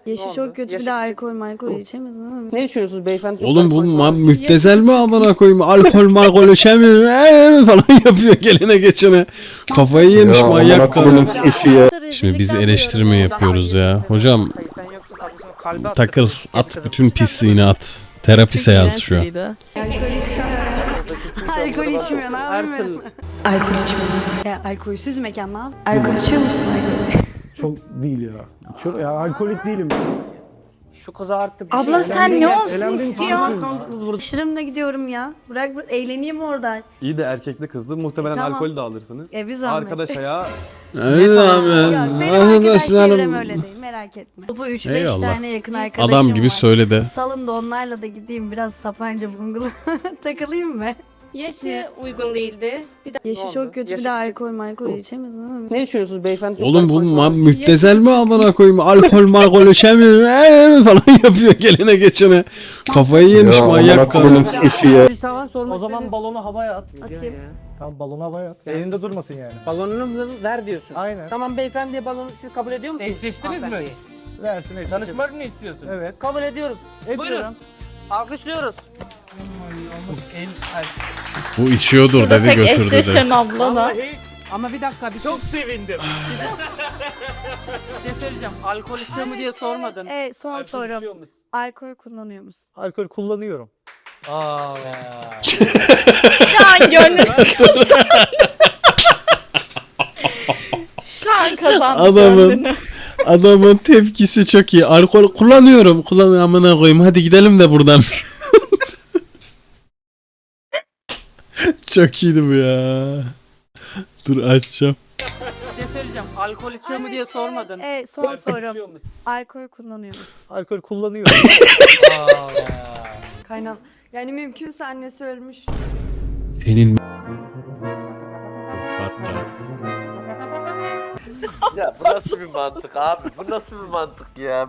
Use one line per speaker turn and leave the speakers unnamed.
Yaşı çok kötü, bir de alkol içemez ama.
Ne düşünüyorsunuz beyefendi? Çok
Oğlum bu
alkol var.
müptezel mi amına koyayım? Alkol içemiyor falan yapıyor gelene geçene. Kafayı yemiş manyak kadın. Şimdi biz eleştirme yapıyoruz ya. Hocam
Sen yoksun, kardeşim, kalbe
takıl,
attık. Geç
at
kızım.
bütün pisliğini at. Terapi seansı şu an.
Alkol içmiyor. Alkol içmiyor, ne
Her
yapayım
türlü.
ben? Alkol içmiyor. Ya alkolsüz mekan ne yapayım? Alkol içiyor musun alkol?
Çok değil ya. Ya alkolik değilim.
Şu kıza artık bir
Abla
şey.
sen ne olsun
Eğlendiğim için
istiyorsun?
mutluyum.
Kız burada.
Şırımla gidiyorum ya. Bırak eğleneyim orada.
İyi de erkekli kızdı. Muhtemelen
Tamam.
alkol de alırsınız.
Bir zahmet.
Arkadaş ayağı
Evet
Yok,
abi.
benim arkadaş çevrem
Arkadaşlarım.
öyle değil, merak etme. Bu 3-5
Eyvallah.
tane yakın arkadaşım
Adam gibi
var.
söyledi.
Salın da onlarla da gideyim, biraz Sapanca Bungalow'a takılayım mı?
Yaşı uygun değildi. Bir de
Yaşı
oldu?
çok kötü, bir
Yaşı
de alkol içemez ama.
Ne düşünüyorsunuz beyefendi? Çok
Oğlum bu
alkol var.
müptezel mi amına koyayım? Alkol içemiyor falan yapıyor gelene geçene. Kafayı yemiş manyak kadın.
Siz tamam sormak
O zaman
istediğiniz-
balonu havaya at.
Atayım.
Tamam balonu havaya at. Elinde durmasın yani.
Balonunu ver diyorsun.
Aynen.
Tamam beyefendiye balonu siz kabul ediyor musunuz?
Eşleştiniz mi?
Hanımefendi.
Versin eşit.
Tanışmak mı istiyorsun?
Evet.
Kabul ediyoruz.
Ediyorum.
Alkışlıyoruz.
Bu içiyordur dedi
tek
götürdü
eşleşen
de.
abla da.
Vallahi
Ama bir dakika bir
çok sevindim.
şey söyleyeceğim. Alkol içiyor mu diye sormadın.
Son
Alkol
sorum.
içiyor musun?
Alkol kullanıyor musun?
Alkol kullanıyorum.
Aa.
Şu an gönlüm Şu an kazandı
Adamın-
gönlünü.
Adamın tepkisi çok iyi. Alkol kullanıyorum. Amına koyayım. Hadi gidelim de buradan. Çok iyiydi bu ya. Dur açacağım.
Bir şey söyleyeceğim. Alkol içiyor mu diye sormadın.
Son
Alkol
sorum.
içiyor musun?
Alkol kullanıyor musun?
Alkol kullanıyorum.
Kaynam. Yani mümkünse annesi ölmüş.
Senin hatta.
Ya bu nasıl bir mantık abi? Bu nasıl bir mantık ya?